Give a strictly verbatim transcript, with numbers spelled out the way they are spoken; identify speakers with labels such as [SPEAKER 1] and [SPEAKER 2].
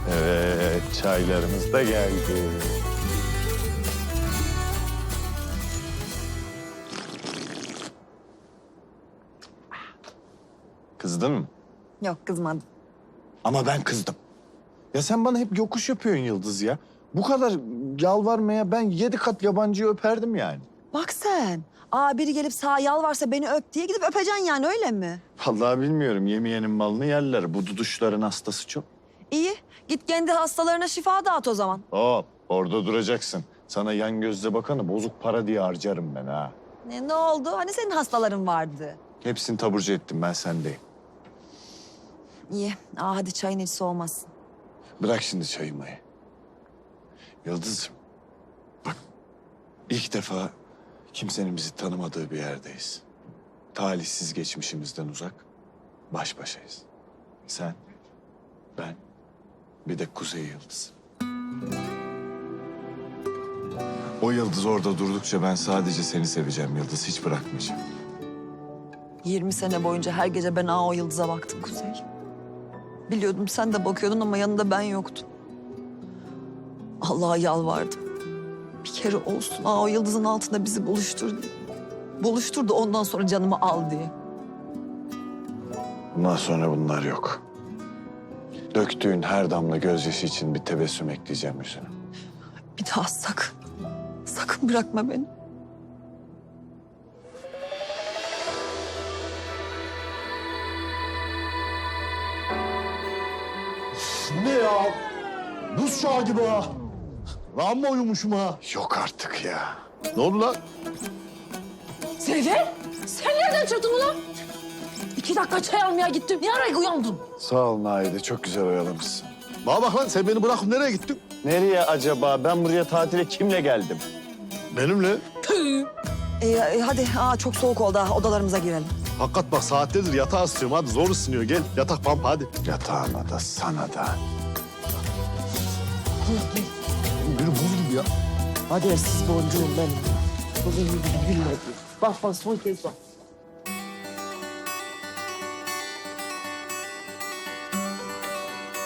[SPEAKER 1] Evet, çaylarımız da geldi. Kızdın mı?
[SPEAKER 2] Yok kızmadım.
[SPEAKER 1] Ama ben kızdım. Ya sen bana hep yokuş yapıyorsun Yıldız ya. Bu kadar yalvarmaya ben yedi kat yabancıyı öperdim yani.
[SPEAKER 2] Bak sen. Aa biri gelip sağ yalvarsa beni öp diye gidip öpeceksin yani öyle mi?
[SPEAKER 1] Vallahi bilmiyorum. Yemeyenin malını yerler. Bu duduşların hastası çok.
[SPEAKER 2] İyi. Git kendi hastalarına şifa dağıt o zaman.
[SPEAKER 1] Hop, orada duracaksın. Sana yan gözle bakanı bozuk para diye harcarım ben ha.
[SPEAKER 2] Ne, ne oldu? Hani senin hastaların vardı?
[SPEAKER 1] Hepsini taburcu ettim, ben sendeyim.
[SPEAKER 2] İyi. Aa hadi çayın hiç soğumasın.
[SPEAKER 1] Bırak şimdi çayımı. Yıldız'ım, bak ilk defa kimsenin bizi tanımadığı bir yerdeyiz. Talihsiz geçmişimizden uzak, baş başayız. Sen, ben, bir de Kuzey Yıldız. O yıldız orada durdukça ben sadece seni seveceğim Yıldız, hiç bırakmayacağım.
[SPEAKER 2] yirmi sene boyunca her gece ben aa o yıldıza baktım Kuzey. Biliyordum sen de bakıyordun ama yanında ben yoktum. Allah'a yalvardım. Bir kere olsun aa o yıldızın altında bizi buluştur diye. Buluştur da ondan sonra canımı al diye.
[SPEAKER 1] Bundan sonra bunlar yok. Döktüğün her damla gözyaşı için bir tebessüm ekleyeceğim yüzüne.
[SPEAKER 2] Bir daha sakın, sakın bırakma beni.
[SPEAKER 3] Ne ya? Buz çağı gibi ha. Lan mı uyumuşum ha?
[SPEAKER 1] Yok artık ya.
[SPEAKER 3] Ne oldu lan?
[SPEAKER 4] Seyfi, sen nereden çıktın ulan? İki dakika çay almaya gittim. Ne ara uyandın?
[SPEAKER 1] Sağ ol Naide, çok güzel oyalamışsın.
[SPEAKER 3] Bana bak lan, sen beni bırakıp nereye gittin?
[SPEAKER 1] Nereye acaba? Ben buraya tatile kimle geldim?
[SPEAKER 3] Benimle.
[SPEAKER 4] Tüh.
[SPEAKER 2] Ee, e, hadi aa çok soğuk oldu ha, odalarımıza girelim.
[SPEAKER 3] Hakikat bak, saatlerdir yatağa ısıtıyorum. Hadi zor ısınıyor. Gel yatak pampa hadi.
[SPEAKER 1] Yatağına da sana da.
[SPEAKER 3] Biri buz gibi ya.
[SPEAKER 4] Hadi siz boncuğum benim. Bugün gibi gülle. Bak bak son kez bak.